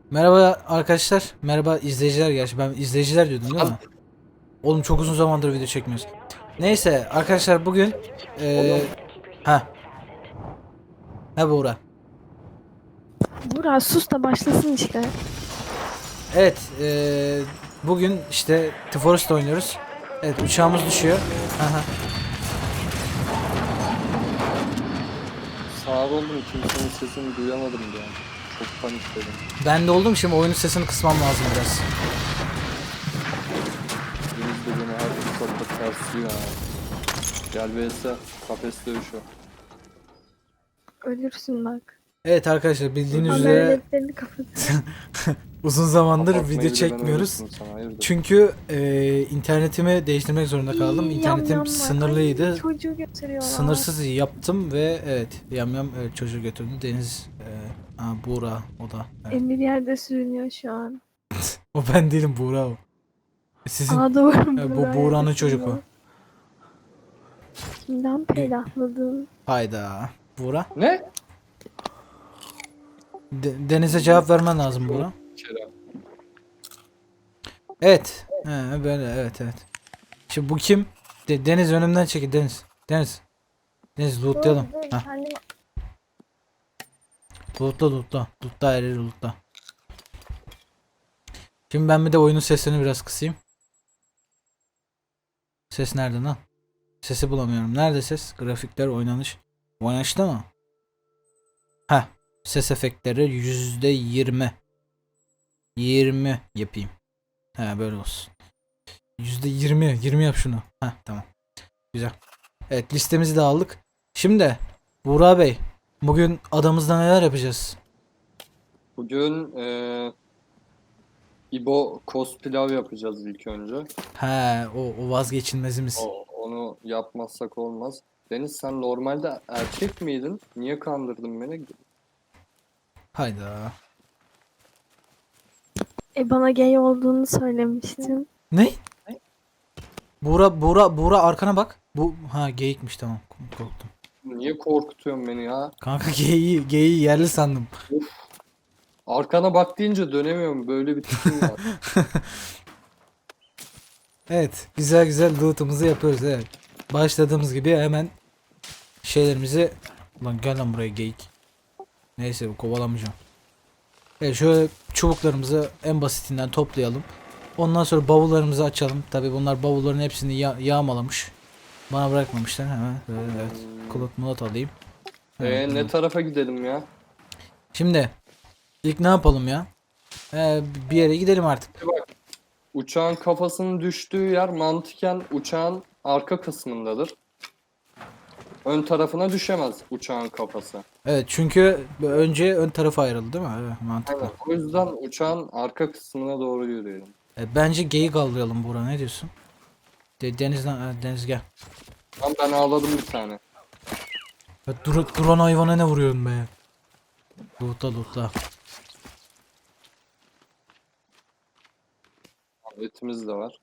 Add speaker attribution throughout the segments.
Speaker 1: Merhaba arkadaşlar. Merhaba izleyiciler gerçi. Ben izleyiciler diyordum değil mi? Oğlum çok uzun zamandır video çekmiyoruz. Neyse arkadaşlar bugün
Speaker 2: Oğlum
Speaker 1: ha ha Buğra.
Speaker 3: Burak sus da başlasın işte.
Speaker 1: Evet bugün işte The Forest oynuyoruz. Evet uçağımız düşüyor. Aha.
Speaker 2: sağır oldum, kimsenin sesini duyamadım ya. Çok panikledim.
Speaker 1: Ben de oldum, şimdi oyunun sesini kısmam lazım biraz.
Speaker 2: Deniz de beni her fırsatta tersliyor ha. Gel vs kafes dövüşü.
Speaker 3: Ölürsün bak.
Speaker 1: Evet arkadaşlar bildiğiniz üzere
Speaker 3: Haberletlerini kapat.
Speaker 1: uzun zamandır
Speaker 2: Kapatmayı
Speaker 1: video
Speaker 2: bile ben
Speaker 1: çekmiyoruz.
Speaker 2: öğrettim sana, hayırdır?
Speaker 1: Çünkü internetimi değiştirmek zorunda kaldım. İnternetim sınırlıydı.
Speaker 3: Çocuğu götürüyorlar.
Speaker 1: Sınırsız yaptım ve evet yamyam evet, çocuğu götürdü. Deniz Buğra o da. Evet.
Speaker 3: Emir yerde sürünüyor şu an.
Speaker 1: O ben değilim, Buğra o. Sizin
Speaker 3: Aa doğru.
Speaker 1: bu
Speaker 3: Burak
Speaker 1: Buğra'nın
Speaker 3: yerde
Speaker 1: çocuk o.
Speaker 3: sürünüyor. Kimden peydahladın?
Speaker 1: Hayda. Buğra.
Speaker 2: Ne?
Speaker 1: Deniz'e cevap vermen lazım Buğra.
Speaker 2: Kerem.
Speaker 1: Evet. Böyle evet. Şimdi bu kim? Deniz önümden çekil Deniz. Deniz lootlayalım.
Speaker 3: Dur,
Speaker 1: Heh.
Speaker 3: kendim...
Speaker 1: Lootla. Lootla her yeri lootla. Şimdi ben bir de oyunun sesini biraz kısayım. Ses nerede lan? Sesi bulamıyorum. Nerede ses? Grafikler, oynanış. Oynanışta mı? Heh. Ses efektleri %20. 20 yapayım. He böyle olsun. %20 yap şunu. Heh tamam. Güzel. Evet listemizi de aldık. Şimdi Buğra Bey, bugün adamızda neler yapacağız?
Speaker 2: Bugün İbo pilav yapacağız ilk önce.
Speaker 1: He o vazgeçilmezimiz.
Speaker 2: Onu yapmazsak olmaz. Deniz, sen normalde erkek miydin? Niye kandırdın beni?
Speaker 1: Hayda.
Speaker 3: Bana gay olduğunu söylemiştin.
Speaker 1: Ne? Buğra arkana bak. Bu geyikmiş, tamam. Korktum.
Speaker 2: Niye korkutuyorsun beni ya?
Speaker 1: Kanka geyiği yerli sandım.
Speaker 2: Arkana bak deyince dönemiyorum. Böyle bir tipim var.
Speaker 1: Evet, güzel loot'umuzu yapıyoruz, evet. Başladığımız gibi hemen şeylerimizi... Ulan gel lan buraya geyik. Neyse kovalamayacağım. Evet, şöyle çubuklarımızı en basitinden toplayalım. Ondan sonra bavullarımızı açalım. Tabi bunlar bavulların hepsini yağmalamış. Bana bırakmamışlar hemen. Evet. Kulot mulat alayım. Evet,
Speaker 2: Ne tarafa gidelim ya?
Speaker 1: şimdi ilk ne yapalım ya? Bir yere gidelim artık.
Speaker 2: Uçağın kafasının düştüğü yer mantıken uçağın arka kısmındadır. Ön tarafına düşemez uçağın kafası.
Speaker 1: Evet, çünkü önce ön tarafa ayrıldı değil mi? Evet, mantıklı.
Speaker 2: Evet, o yüzden uçağın arka kısmına doğru yürüyelim.
Speaker 1: Bence geyik avlayalım Buğra, ne diyorsun? Deniz gel.
Speaker 2: Ben ağladım bir tane.
Speaker 1: Ya, duran hayvana ne vuruyorsun be? Lootla.
Speaker 2: Etimiz de var.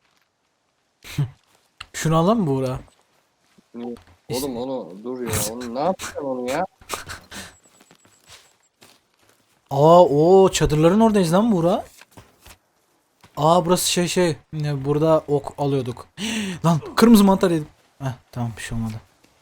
Speaker 1: Şunu alalım mı Buğra?
Speaker 2: Niye? Oğlum onu dur ya. Onu ne yapacaksın onu ya?
Speaker 1: O çadırların oradayız lan Buğra. Burası burada ok alıyorduk. Lan kırmızı mantar yedim. Tamam, bir şey olmadı.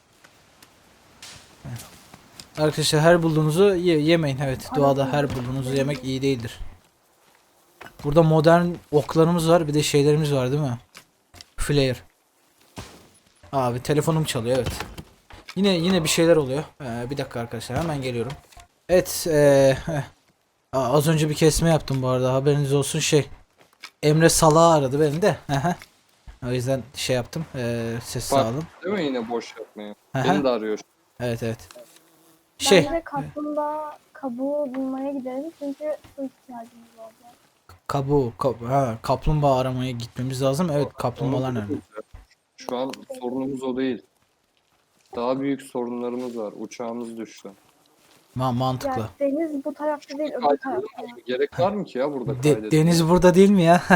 Speaker 1: Evet. Arkadaşlar her bulduğunuzu yemeyin, evet. Doğada her bulduğunuzu yemek iyi değildir. Burada modern oklarımız var, bir de şeylerimiz var değil mi? Flare. Abi telefonum çalıyor, evet. Yine bir şeyler oluyor. Bir dakika arkadaşlar, hemen geliyorum. Evet, az önce bir kesme yaptım bu arada, haberiniz olsun. Emre Salah'ı aradı beni de. O yüzden yaptım. Ses sağladım.
Speaker 2: Değil mi yine boş yapmaya?
Speaker 1: Aha.
Speaker 2: Beni de arıyor.
Speaker 1: Evet.
Speaker 3: Bence kaplumbağa kabuğu bulmaya gidelim çünkü su ihtiyacımız olacak.
Speaker 1: Kaplumbağa aramaya gitmemiz lazım. Evet, kaplumbağalar nerede?
Speaker 2: Şu an sorunumuz o değil. Daha büyük sorunlarımız var. Uçağımız düştü.
Speaker 1: Mantıklı.
Speaker 3: Ya deniz bu tarafta değil öbür tarafta.
Speaker 2: Gerek var mı ki ya burada kaydetmeye?
Speaker 1: Deniz burada değil mi ya?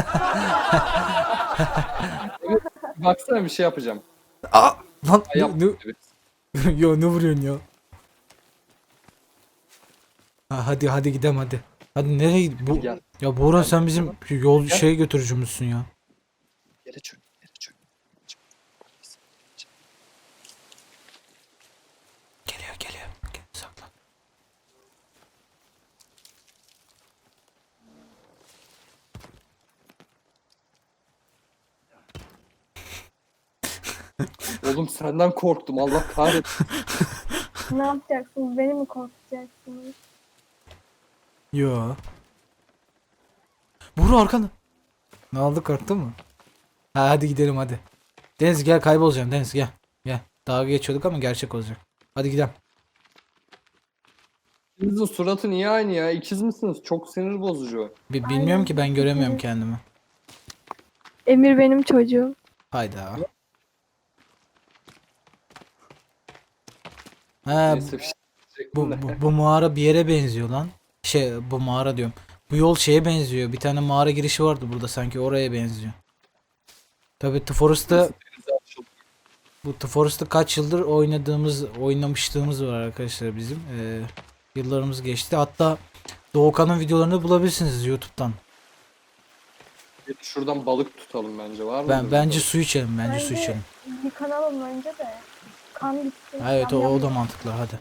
Speaker 2: Baksana, bir şey yapacağım.
Speaker 1: Lan
Speaker 2: Yap.
Speaker 1: yo, ne vuruyorsun ya? Hadi gidelim hadi. Hadi nereye bu?
Speaker 2: Gel.
Speaker 1: Ya Buğra
Speaker 2: Gel.
Speaker 1: sen bizim yol
Speaker 2: Gel.
Speaker 1: şey götürücümüzsün ya.
Speaker 2: Yere çök. Yere çök.
Speaker 1: Geliyor geliyor. Gel, saklan.
Speaker 2: Oğlum senden korktum. Allah kahretsin.
Speaker 3: Ne yapacaksınız? Beni mi korkutacaksınız?
Speaker 1: Yo. Buğra arkanda. Ne oldu, korktun mu? Ha, hadi gidelim hadi. Deniz gel, kaybolacağım Deniz, gel. Gel. Dalga geçiyorduk ama gerçek olacak. Hadi gidelim.
Speaker 2: İkinizin suratı niye aynı ya? İkiz misiniz? Çok sinir bozucu.
Speaker 1: Bilmiyorum
Speaker 3: Aynen.
Speaker 1: ki, ben göremiyorum kendimi.
Speaker 3: Emir benim çocuğum.
Speaker 1: Hayda. Ha,
Speaker 2: Neyse bir şey diyecektim de.
Speaker 1: bu mağara bir yere benziyor lan. Bu mağara diyorum. Bu yol şeye benziyor. Bir tane mağara girişi vardı burada, sanki oraya benziyor. Tabii The Forest'ta The Forest'ta kaç yıldır oynamışlığımız var arkadaşlar bizim. Yıllarımız geçti. Hatta Doğukan'ın videolarını bulabilirsiniz YouTube'dan.
Speaker 2: Şuradan balık tutalım bence. Var mı?
Speaker 1: Bence su içelim, bence su içelim.
Speaker 3: Yıkanalım önce de. Kan gitsin.
Speaker 1: Evet,
Speaker 3: Yam
Speaker 1: o
Speaker 3: yam
Speaker 1: da mantıklı, hadi.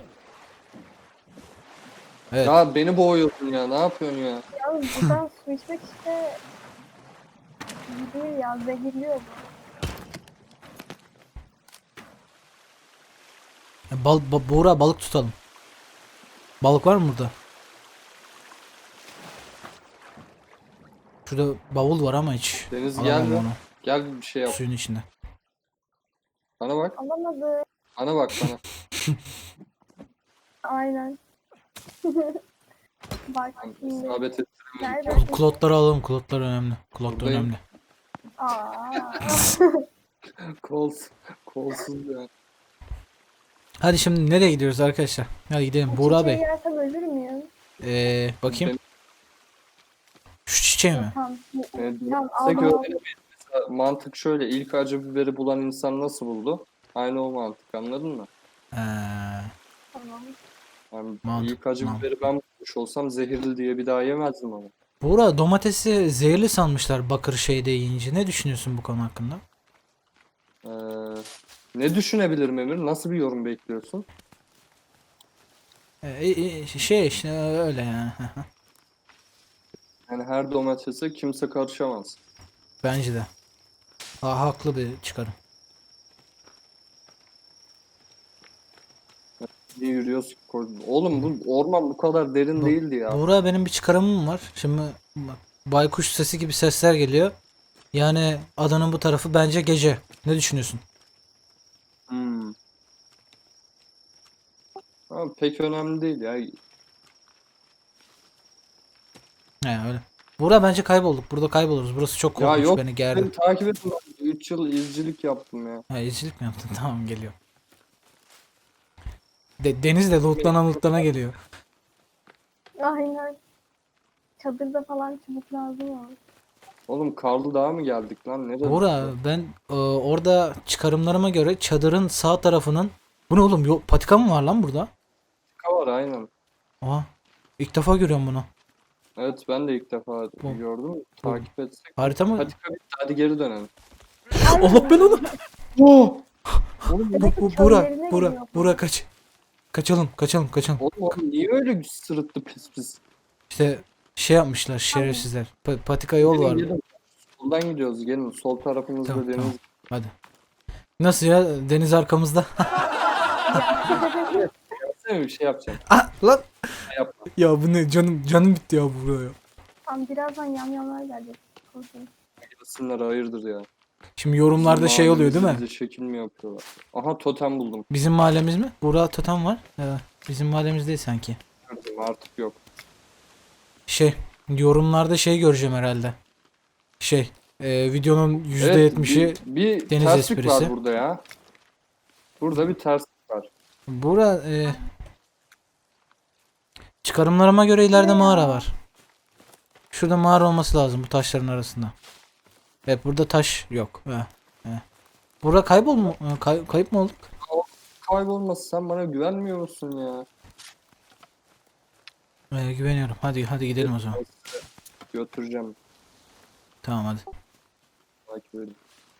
Speaker 1: Evet.
Speaker 2: Ya beni boğuyorsun ya. Ne yapıyorsun ya?
Speaker 3: Yalnız buradan su içmek işte iyi değil ya, zehirliyor bu.
Speaker 1: Buğra, balık tutalım. Balık var mı burada? Şurada bavul var ama hiç
Speaker 2: Deniz
Speaker 1: alamam
Speaker 2: gelme.
Speaker 1: onu.
Speaker 2: Gel bir şey yap.
Speaker 1: Suyun içinde.
Speaker 2: Bana bak.
Speaker 3: Alamadı.
Speaker 2: Bana bak bana.
Speaker 3: Aynen. Bak
Speaker 2: Tamam,
Speaker 3: şimdi.
Speaker 2: İsabet et.
Speaker 3: Nerede?
Speaker 1: Klotları alalım. Klotlar önemli. Klot da
Speaker 2: Buradayım.
Speaker 1: önemli.
Speaker 3: Aa.
Speaker 2: Kolsuz ya.
Speaker 1: Hadi şimdi nereye gidiyoruz arkadaşlar? Hadi gidelim. Buğra
Speaker 3: Çiçeği
Speaker 1: Bey.
Speaker 3: yersem ölür müyüm?
Speaker 1: Bakayım. Şu çiçeği mi?
Speaker 3: Tamam.
Speaker 2: Evet,
Speaker 3: Tamam
Speaker 2: Size
Speaker 3: aldım.
Speaker 2: göre mesela mantık şöyle. İlk acı biberi bulan insan nasıl buldu? Aynı o mantık, anladın mı?
Speaker 1: Ee,
Speaker 3: Tamam.
Speaker 2: Yani
Speaker 1: Mantık,
Speaker 2: ilk acı
Speaker 1: mantık.
Speaker 2: biberi ben bulmuş olsam zehirli diye bir daha yemezdim onu.
Speaker 1: Buğra, domatesi zehirli sanmışlar bakır şeyde yiyince. Ne düşünüyorsun bu konu hakkında?
Speaker 2: Ee, ne düşünebilirim Emir? Nasıl bir yorum bekliyorsun?
Speaker 1: Şey işte öyle yani.
Speaker 2: Yani her domatese kimse karışamaz.
Speaker 1: Bence de. Haklı bir çıkarım.
Speaker 2: Niye yürüyoruz? Oğlum bu orman bu kadar derin değildi ya.
Speaker 1: Buğra, benim bir çıkarımım var. Şimdi bak, baykuş sesi gibi sesler geliyor. Yani adanın bu tarafı bence gece. Ne düşünüyorsun?
Speaker 2: Hmm. Ama pek önemli değil ya.
Speaker 1: He, öyle. Buğra, bence kaybolduk. Burada kayboluruz. Burası çok
Speaker 2: Ya
Speaker 1: korkunç,
Speaker 2: yok,
Speaker 1: beni gerdi.
Speaker 2: beni takip edin. 3 yıl izcilik yaptım ya.
Speaker 1: Ha, izcilik mi yaptın? Tamam, geliyor. Deniz de lootlana geliyor.
Speaker 3: Aynen. Çadırda falan çubuk lazım olur.
Speaker 2: Oğlum Karlı Dağ'a mı geldik lan? Nerede?
Speaker 1: Buğra, ben orada çıkarımlarıma göre çadırın sağ tarafının... Bu ne oğlum? Patika mı var lan burada?
Speaker 2: Var aynen.
Speaker 1: Aha. İlk defa görüyorum bunu.
Speaker 2: Evet ben de ilk defa
Speaker 1: Bu-
Speaker 2: gördüm. Takip etsek.
Speaker 1: Harita mı?
Speaker 2: Hadi hadi geri dönelim.
Speaker 1: Allah belanı.
Speaker 2: Oh!
Speaker 3: Demek ki
Speaker 1: Buğra,
Speaker 3: köylerine
Speaker 1: Buğra,
Speaker 3: gidiyor.
Speaker 1: Buğra kaç. Kaçalım.
Speaker 2: Oğlum niye öyle sırıttı pis pis?
Speaker 1: İşte şey yapmışlar şerefsizler. Patika yol
Speaker 2: Gelin,
Speaker 1: var.
Speaker 2: gelin. Soldan gidiyoruz gelin. Sol tarafımızda
Speaker 1: Tamam,
Speaker 2: deniz.
Speaker 1: tamam. Hadi. Nasıl ya? Deniz arkamızda.
Speaker 2: Yapsana bir şey yapacağım.
Speaker 1: Ah lan.
Speaker 2: Yapma.
Speaker 1: Ya bu ne? Canım bitti ya buraya.
Speaker 3: Tamam, birazdan yamyamlar gelecek. Korkun.
Speaker 2: Gelsinler hayırdır ya.
Speaker 1: Şimdi yorumlarda şey oluyor değil mi?
Speaker 2: Bize şekil mi yapıyorlar? Aha totem buldum.
Speaker 1: Bizim mahallemiz mi? Buğra totem var. Evet. Bizim mahallemiz değil sanki.
Speaker 2: Gördüm, artık yok.
Speaker 1: Yorumlarda şey göreceğim herhalde. Videonun %70'i
Speaker 2: Evet, bir
Speaker 1: deniz
Speaker 2: terslik
Speaker 1: esprisi.
Speaker 2: var burada ya. Burada bir terslik var.
Speaker 1: Buğra, çıkarımlarıma göre ileride mağara var. Şurada mağara olması lazım bu taşların arasında. Evet, burada taş yok. Buğra, kayıp mı olduk?
Speaker 2: Kaybolması, sen bana güvenmiyor musun ya?
Speaker 1: Güveniyorum. Hadi gidelim o zaman.
Speaker 2: Götüreceğim.
Speaker 1: Tamam hadi.
Speaker 2: Takip edin.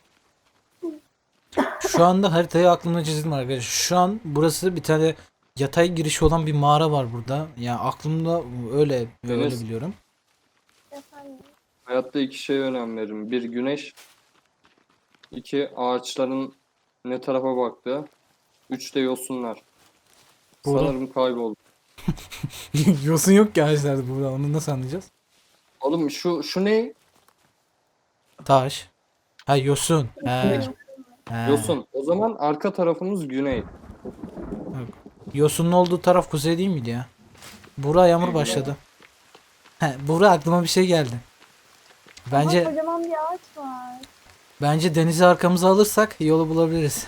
Speaker 1: Şu anda haritayı aklımda çizdim arkadaşlar. Şu an burası bir tane yatay girişi olan bir mağara var burada. Yani aklımda öyle ve öyle
Speaker 2: Deniz.
Speaker 1: biliyorum.
Speaker 3: Efendim.
Speaker 2: Hayatta iki şeye önem veririm. Bir güneş. İki ağaçların ne tarafa baktığı. Üç de yosunlar.
Speaker 1: Burada-
Speaker 2: Sanırım kayboldu.
Speaker 1: Yosun yok ki ağaçlarda burada. Onu nasıl anlayacağız?
Speaker 2: Oğlum şu ne?
Speaker 1: Taş. Ha yosun. He. He.
Speaker 2: Yosun. O zaman arka tarafımız güney.
Speaker 1: Yosunun olduğu taraf kuzey değil miydi ya? Buğra yağmur başladı. He, Buğra aklıma bir şey geldi.
Speaker 3: Ama
Speaker 1: Bence
Speaker 3: kocaman bir ağaç var.
Speaker 1: bence denizi arkamıza alırsak yolu bulabiliriz.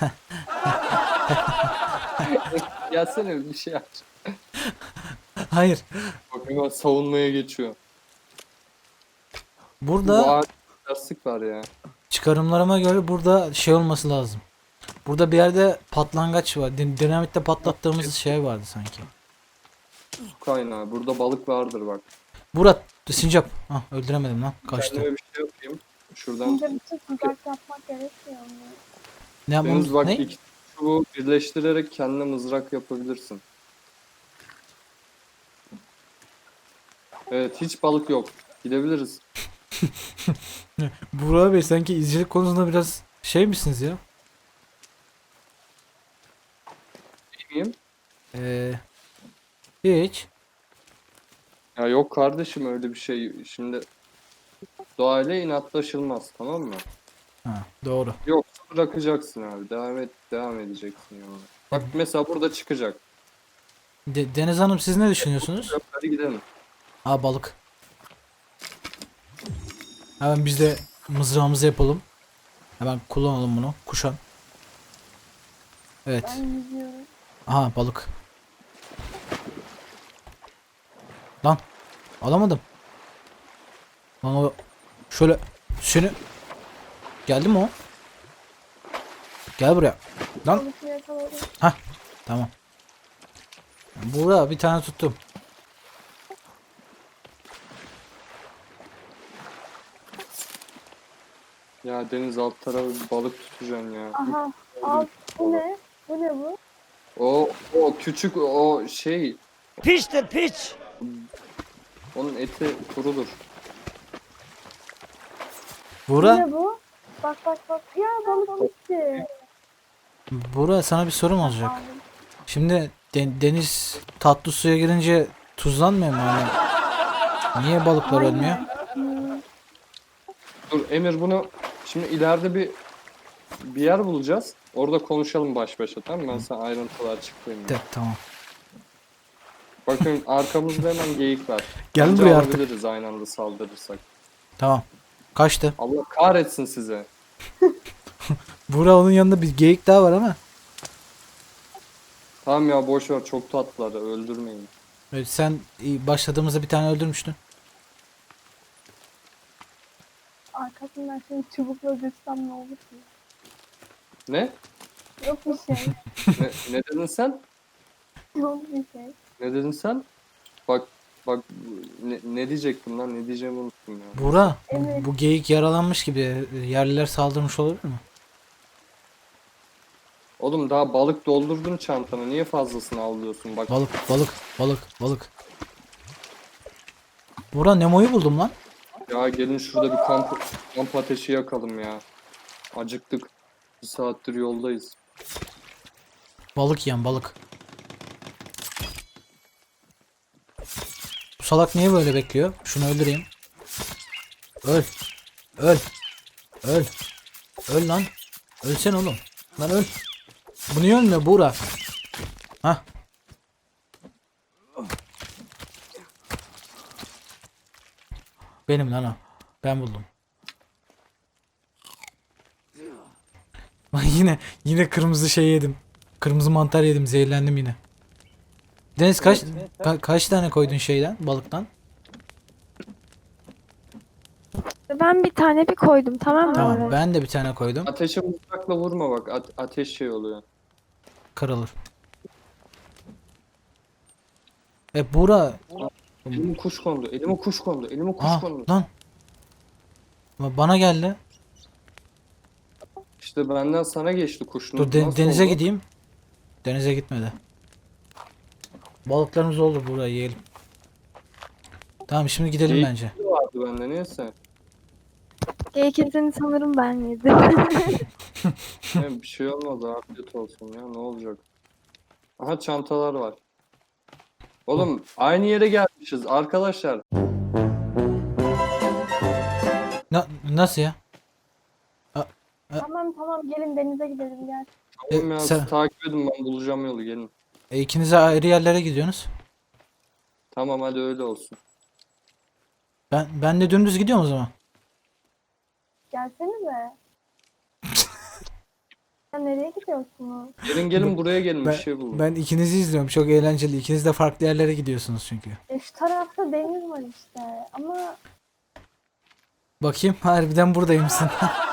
Speaker 2: Gelsene bir şey aç.
Speaker 1: Hayır.
Speaker 2: Bak hemen savunmaya geçiyor. Bu
Speaker 1: Burada
Speaker 2: ağaç lastik var ya.
Speaker 1: çıkarımlarıma göre burada şey olması lazım. Burada bir yerde patlangaç var. Dinamitle patlattığımız şey vardı sanki.
Speaker 2: Su kaynağı. Burada balık vardır bak.
Speaker 1: Burak sincap. Hah, öldüremedim lan. Kaçtı.
Speaker 2: Kendime bir şey yapayım. Şuradan.
Speaker 3: Bence bütün tuzak yapmak gerekmiyor mu?
Speaker 1: Ne yapmamız?
Speaker 2: Deniz bak
Speaker 1: Ne?
Speaker 2: iki çubuğu birleştirerek kendine mızrak yapabilirsin. Evet hiç balık yok. Gidebiliriz.
Speaker 1: Burak Bey sanki izcilik konusunda biraz şey misiniz ya?
Speaker 2: Değil miyim?
Speaker 1: Hiç.
Speaker 2: Ya yok kardeşim öyle bir şey. Şimdi doğayla inatlaşılmaz tamam mı?
Speaker 1: Ha, doğru.
Speaker 2: Yoksa bırakacaksın abi. Devam edeceksin yani. Bak mesela burada çıkacak.
Speaker 1: Deniz Hanım siz ne düşünüyorsunuz?
Speaker 2: Hadi gidelim.
Speaker 1: Aa balık. Hemen biz de mızrağımızı yapalım. Hemen kullanalım bunu. Kuşan. Evet.
Speaker 3: Ben yüzüyorum.
Speaker 1: Aha balık. Lan. Alamadım. Lan o şöyle seni geldi mi o? Gel buraya. Lan.
Speaker 3: Balıkı yakaladım.
Speaker 1: Tamam. Burada bir tane tuttum.
Speaker 2: Ya deniz alt tarafı bir balık tutacaksın ya.
Speaker 3: Aha. Al. Bu ne? Bu ne bu?
Speaker 2: O küçük o şey.
Speaker 4: Piçtir piç.
Speaker 2: Onun eti kurudur.
Speaker 3: Bu
Speaker 1: Buğra,
Speaker 3: ne bu? Bak bak bak. Ya balık gitti.
Speaker 1: Buğra sana bir sorum olacak.
Speaker 3: Aldım.
Speaker 1: Şimdi deniz tatlı suya girince tuzlanmıyor mu hani? Niye balıklar ölmüyor?
Speaker 3: Hmm.
Speaker 2: Dur Emir bunu şimdi ileride bir yer bulacağız. Orada konuşalım baş başa tamam mı? Ben sana ayrıntılar açıklayayım.
Speaker 1: Tamam.
Speaker 2: Bakın arkamızda hemen geyik var.
Speaker 1: Gel
Speaker 2: Bence
Speaker 1: buraya artık.
Speaker 2: alabiliriz aynı anda saldırırsak.
Speaker 1: Tamam. Kaçtı.
Speaker 2: Allah kahretsin size.
Speaker 1: Buğra onun yanında bir geyik daha var ama.
Speaker 2: Tamam ya boş ver çok tatlılar öldürmeyin.
Speaker 1: Evet, sen başladığımızda bir tane öldürmüştün.
Speaker 3: Arkasından şimdi çubukla dürsem ne olur ki?
Speaker 2: Ne?
Speaker 3: Yok bir şey.
Speaker 2: Ne dedin sen?
Speaker 3: Yok bir şey.
Speaker 2: Ne dedin sen? Bak ne diyecektim lan ne diyeceğimi unuttum ya.
Speaker 1: Buğra,
Speaker 3: Evet.
Speaker 1: bu geyik yaralanmış gibi yerliler saldırmış olabilir mi?
Speaker 2: Oğlum daha balık doldurdun çantana niye fazlasını alıyorsun bak.
Speaker 1: Balık. Buğra Nemo'yu buldum lan.
Speaker 2: Ya gelin şurada bir kamp ateşi yakalım ya. Acıktık. Bir saattir yoldayız.
Speaker 1: Balık yiyen balık. Bu salak niye böyle bekliyor? Şunu öldüreyim. Öl. Öl. Öl. Öl lan. Ölsen oğlum. Lan öl. Bu niye ölmüyor Buğra? Hah. Benim lan o. Ben buldum. Bak yine kırmızı şey yedim. Kırmızı mantar yedim. Zehirlendim yine. Deniz kaç tane koydun şeyden, balıktan?
Speaker 3: Ben bir tane bir koydum tamam mı?
Speaker 1: Tamam, ben de bir tane koydum.
Speaker 2: Ateşe mızrakla vurma bak. Ateş şey oluyor.
Speaker 1: Kırılır. Buğra
Speaker 2: Elime kuş kondu. Elime kuş kondu. Elime kuş
Speaker 1: Aa
Speaker 2: kondu.
Speaker 1: lan. Bana geldi.
Speaker 2: İşte benden sana geçti kuş.
Speaker 1: Dur
Speaker 2: Nasıl
Speaker 1: denize
Speaker 2: oldu?
Speaker 1: gideyim. Denize gitmedi. Balıklarımız olur, buraya yiyelim. Tamam, şimdi gidelim
Speaker 2: Geyik
Speaker 1: bence.
Speaker 2: vardı bende neyse.
Speaker 3: Geyik etini sanırım ben yedim.
Speaker 2: Bir şey olmaz, afiyet olsun ya, ne olacak. Aha, çantalar var. Oğlum aynı yere gelmişiz arkadaşlar.
Speaker 1: Nasıl ya?
Speaker 3: Tamam gelin denize gidelim gel.
Speaker 2: Tamam ya,
Speaker 1: sen-
Speaker 2: siz takip edin, ben bulacağım yolu, gelin.
Speaker 1: İkiniz de ayrı yerlere gidiyorsunuz.
Speaker 2: Tamam, hadi öyle olsun.
Speaker 1: Ben de dümdüz gidiyorum o zaman.
Speaker 3: Gelsenize. Ya nereye gidiyorsunuz?
Speaker 2: Gelin buraya gelin, bir şey bulun.
Speaker 1: Ben ikinizi izliyorum. Çok eğlenceli. İkiniz de farklı yerlere gidiyorsunuz çünkü.
Speaker 3: Şu tarafta deniz var işte. Ama
Speaker 1: Bakayım, harbiden buradaymışsın.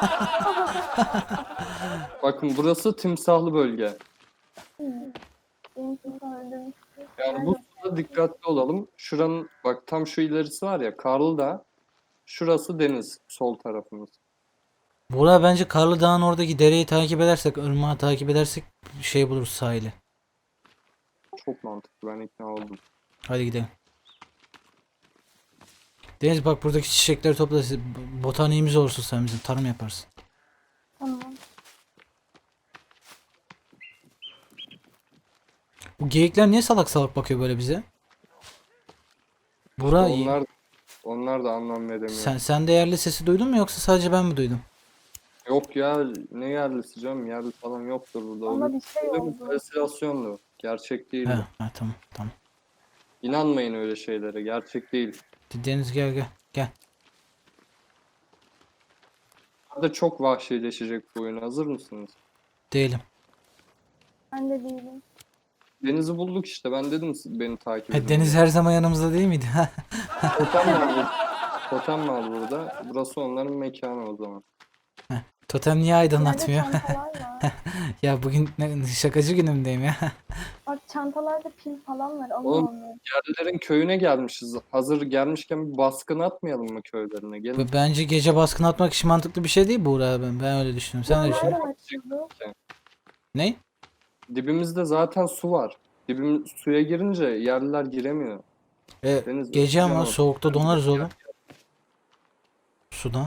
Speaker 2: Bakın, burası timsahlı bölge.
Speaker 3: benim kimse öldürmüş.
Speaker 2: Yani bu suda dikkatli olalım. Şuranın bak, tam şu ilerisi var ya, Karlıdağ. Şurası deniz, sol tarafımız.
Speaker 1: Buğra, bence Karlı Dağ'ın oradaki dereyi takip edersek, ırmağı takip edersek şey buluruz, sahili.
Speaker 2: Çok mantıklı, ben ikna oldum.
Speaker 1: Hadi gidelim. Deniz, bak buradaki çiçekleri topla. Botaniğimiz olursun, sen bizim tarım yaparsın.
Speaker 3: Tamam.
Speaker 1: Bu geyikler niye salak salak bakıyor böyle bize? Buğra,
Speaker 2: Onlar da anlam veremiyor.
Speaker 1: sen de yerli sesi duydun mu, yoksa sadece ben mi duydum?
Speaker 2: Yok ya, ne yerlisi canım, yerli falan yoktur burada.
Speaker 3: Ama bir şey
Speaker 2: Öyle
Speaker 3: oldu.
Speaker 2: bir halüsinasyondu. Gerçek değil.
Speaker 1: Tamam.
Speaker 2: İnanmayın öyle şeylere, gerçek değil.
Speaker 1: Deniz, gel.
Speaker 2: Burada çok vahşileşecek bu oyun, hazır mısınız?
Speaker 1: Değilim.
Speaker 3: Ben de değilim.
Speaker 2: Denizi bulduk işte, ben dedim beni takip edin.
Speaker 1: Deniz her zaman yanımızda değil miydi?
Speaker 2: Totem var burada. Totem var burada. Burası onların mekanı o zaman.
Speaker 1: Totem niye
Speaker 3: Nerede
Speaker 1: aydınlatmıyor?
Speaker 3: çantalar var.
Speaker 1: Ya bugün şakacı günümdeyim ya.
Speaker 3: Bak çantalarda pil falan var. Onu
Speaker 2: Oğlum,
Speaker 3: almıyorum.
Speaker 2: Yerlilerin köyüne gelmişiz. Hazır gelmişken bir baskın atmayalım mı köylerine? Gelin.
Speaker 1: Bence gece baskın atmak için mantıklı bir şey değil Buğra, ben öyle düşünüyorum. Sen ne düşünüyorsun?
Speaker 3: Nereden açıldı?
Speaker 1: Ne?
Speaker 2: Dibimizde zaten su var. Suya girince yerliler giremiyor. Deniz,
Speaker 1: Gece ama
Speaker 2: canım.
Speaker 1: soğukta donarız oğlum. Suda.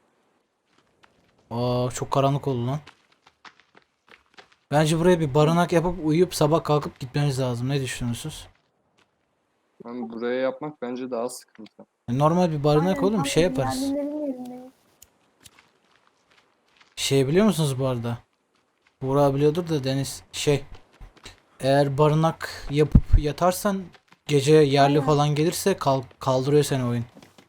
Speaker 1: Aa, çok karanlık oldu lan. Bence buraya bir barınak yapıp uyuyup sabah kalkıp gitmemiz lazım. Ne düşünüyorsunuz?
Speaker 2: Yani buraya yapmak bence daha sıkıntı.
Speaker 1: Normal bir barınak
Speaker 3: Aynen,
Speaker 1: oğlum,
Speaker 3: tam
Speaker 1: şey yaparız.
Speaker 3: Yerlilerin yerindeyiz.
Speaker 1: Şey biliyor musunuz bu arada? Buğra biliyordur da Deniz, eğer barınak yapıp yatarsan gece yerli
Speaker 3: Aynen.
Speaker 1: falan gelirse kaldırıyor seni oyun.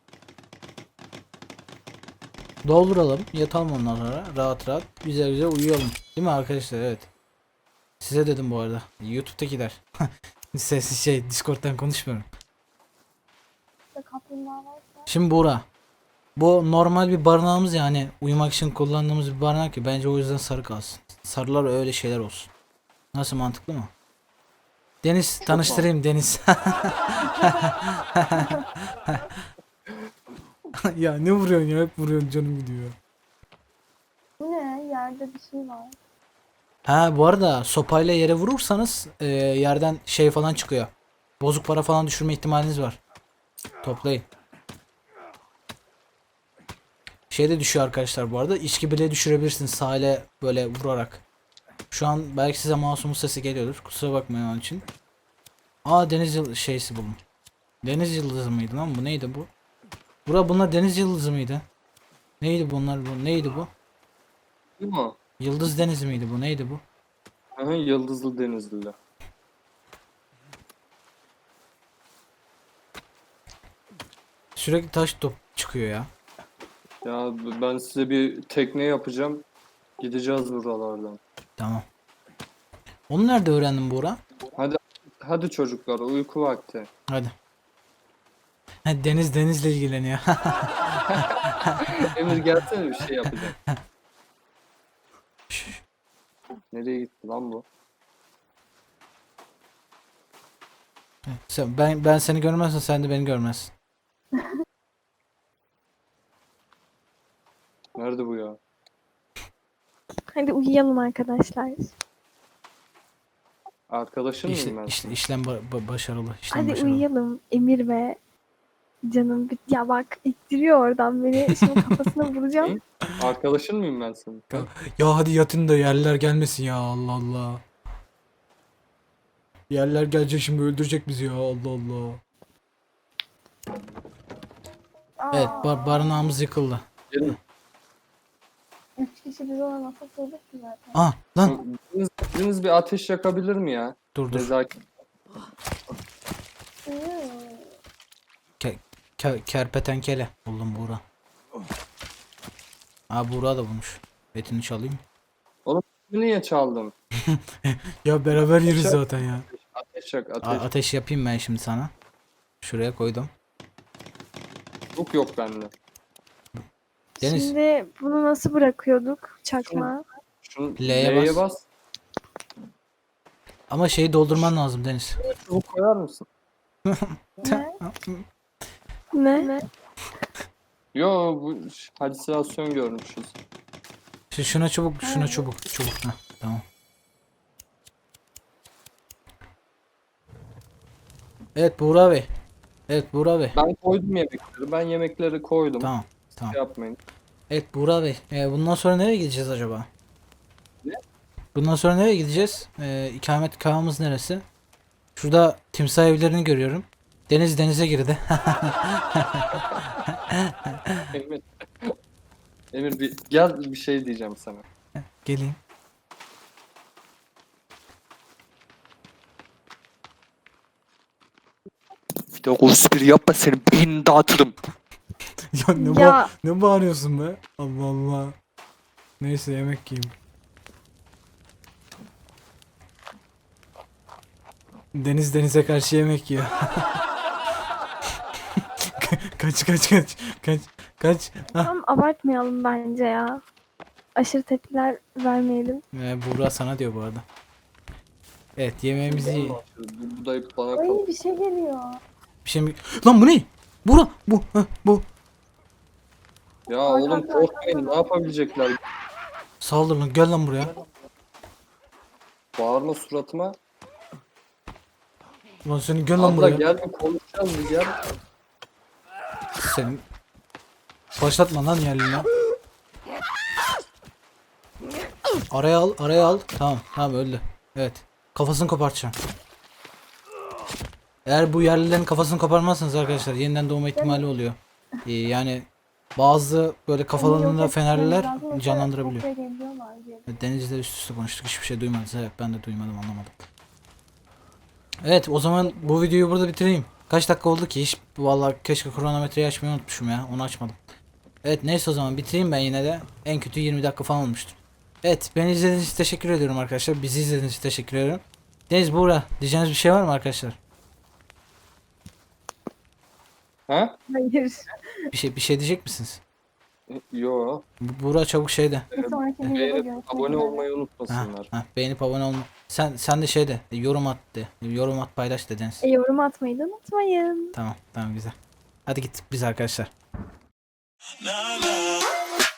Speaker 1: Dolduralım, yatalım ondan sonra rahat rahat güzel güzel uyuyalım. Değil mi arkadaşlar? Evet. Size dedim bu arada. YouTube'dakiler. Sessiz Discord'dan konuşmuyorum.
Speaker 3: İşte kaplumbağa varsa.
Speaker 1: Şimdi Buğra, bu normal bir barınağımız, yani uyumak için kullandığımız bir barınak ya, bence o yüzden sarı kalsın. Sarılar öyle şeyler olsun. Nasıl, mantıklı mı? Deniz, tanıştırayım Deniz. Ya ne vuruyorsun ya, hep vuruyorsun, canım gidiyor.
Speaker 3: Bu ne? Yerde bir şey var.
Speaker 1: Ha, bu arada sopayla yere vurursanız yerden şey falan çıkıyor. Bozuk para falan düşürme ihtimaliniz var. Toplayın. Şey de düşüyor arkadaşlar bu arada. İçki bile düşürebilirsiniz sahile böyle vurarak. Şu an belki size mouse'umun sesi geliyordur. Kusura bakmayın onun için. Aa, deniz şeysi buldum. Deniz yıldızı mıydı lan bu? Neydi bu? Bunlar deniz yıldızı mıydı? Neydi bunlar bu? Neydi bu?
Speaker 2: Değil mi?
Speaker 1: Yıldız denizi miydi bu? Neydi bu?
Speaker 2: Aha, Yıldızlı Denizli'yle.
Speaker 1: Sürekli taş top çıkıyor ya.
Speaker 2: Ya ben size bir tekne yapacağım. Gideceğiz buralardan.
Speaker 1: Tamam. Onu nerede öğrendin Buğra?
Speaker 2: Hadi çocuklar, uyku vakti.
Speaker 1: Hadi. Ha, Deniz denizle ilgileniyor.
Speaker 2: Emir gelsene, bir şey yapacağım. Nereye gitti lan bu?
Speaker 1: Ben seni görmezsem sen de beni görmezsin.
Speaker 2: Nerede bu ya?
Speaker 3: Hadi uyuyalım arkadaşlar.
Speaker 2: Arkadaşın mıyım ben?
Speaker 1: İşlem başarılı. İşlem
Speaker 3: Hadi
Speaker 1: başarılı.
Speaker 3: uyuyalım Emir ve canım. Ya bak ittiriyor oradan beni. Şimdi kafasına vuracağım.
Speaker 2: Arkadaşın mıyım ben senin?
Speaker 1: Ya hadi yatın da yerler gelmesin ya, Allah Allah. Yerler gelecek şimdi, öldürecek bizi ya, Allah Allah. Evet, barınağımız yıkıldı.
Speaker 2: Gelin.
Speaker 3: 3 kişi biz olamazsak olur ki zaten.
Speaker 1: Ah lan,
Speaker 2: Biriniz bir ateş yakabilir mi ya?
Speaker 1: dur.
Speaker 2: Nezaket.
Speaker 3: Hmm.
Speaker 1: Kerpetenkele buldum Buğra. Buğra da bulmuş. Etini çalayım.
Speaker 2: Niye çaldım?
Speaker 1: Ya beraber yeriz
Speaker 2: Ateş-
Speaker 1: zaten ya.
Speaker 2: Ateş yak, ateş.
Speaker 1: Ateş yapayım ben şimdi sana. Şuraya koydum.
Speaker 2: Yok bende.
Speaker 1: Deniz.
Speaker 3: Şimdi bunu nasıl bırakıyorduk çakma?
Speaker 2: Şunu
Speaker 1: L'ye
Speaker 2: L'ye
Speaker 1: bas.
Speaker 2: bas.
Speaker 1: Ama şeyi doldurman lazım Deniz.
Speaker 2: Çubuk koyar mısın?
Speaker 3: Ne?
Speaker 2: Yo, bu halüsinasyon görmüşüz.
Speaker 1: Şuna çubuk. Heh, tamam. Evet Buğra Bey.
Speaker 2: Ben koydum yemekleri. Ben yemekleri koydum.
Speaker 1: Tamam.
Speaker 2: Şey yapmayın.
Speaker 1: Evet Buğra Bey. Bundan sonra nereye gideceğiz acaba?
Speaker 2: Ne?
Speaker 1: Bundan sonra nereye gideceğiz? İkametgahımız neresi? Şurada timsah evlerini görüyorum. Deniz denize girdi.
Speaker 2: Emir. Emir gel, bir şey diyeceğim sana.
Speaker 1: Geleyim.
Speaker 2: Bir de o espri yapma, senin beynini dağıtırım.
Speaker 1: Ya
Speaker 3: Ya
Speaker 1: ne bağırıyorsun be? Allah Allah. Neyse yemek yiyeyim. Deniz denize karşı yemek yiyor. Kaç.
Speaker 3: tam abartmayalım bence ya. Aşırı tepkiler vermeyelim.
Speaker 1: Buğra sana diyor bu arada. Evet yemeğimizi
Speaker 2: Bu da bana
Speaker 3: Ay
Speaker 2: kal.
Speaker 3: bir şey geliyor.
Speaker 1: bir şey mi? Lan bu ne? Buğra bu.
Speaker 2: Ya oğlum korkmayın, ne yapabilecekler?
Speaker 1: Saldır lan, gel lan buraya.
Speaker 2: Bağırma suratıma.
Speaker 1: Lan seni gel lan
Speaker 2: Abla
Speaker 1: buraya.
Speaker 2: gel, bir konuşacağız, bir gel.
Speaker 1: Senin başlatma lan yerline. Araya al. Tamam öldü. Evet. Kafasını kopartacağım. Eğer bu yerlilerin kafasını koparmazsanız arkadaşlar yeniden doğma ihtimali oluyor. Yani bazı böyle kafalarında fenerler canlandırabiliyor. Denizle üst üste konuştuk, hiçbir şey duymadınız. Evet, ben de duymadım, anlamadım. Evet, o zaman bu videoyu burada bitireyim. Kaç dakika oldu ki? Hiç vallahi keşke kronometreyi açmayı unutmuşum ya. Onu açmadım. Evet, neyse o zaman bitireyim ben yine de. En kötü 20 dakika falan olmuştur. Evet, beni izlediğiniz için teşekkür ediyorum arkadaşlar. Bizi izlediğiniz için teşekkür ediyorum. Deniz, Buğra, diyeceğiniz bir şey var mı arkadaşlar?
Speaker 2: Ha?
Speaker 3: Hayır.
Speaker 1: Bir şey diyecek misiniz?
Speaker 2: Yo.
Speaker 1: Buğra çabuk şeyde.
Speaker 3: Bir sonraki videoda
Speaker 2: Beğenip
Speaker 3: görüşmek
Speaker 2: abone
Speaker 3: üzere.
Speaker 2: olmayı unutmasınlar.
Speaker 1: Beğenip abone olma. Sen de şeyde yorum at de. Yorum at, paylaş de Deniz.
Speaker 3: Yorum atmayı da unutmayın.
Speaker 1: Tamam güzel. Hadi gittik biz arkadaşlar.
Speaker 4: La la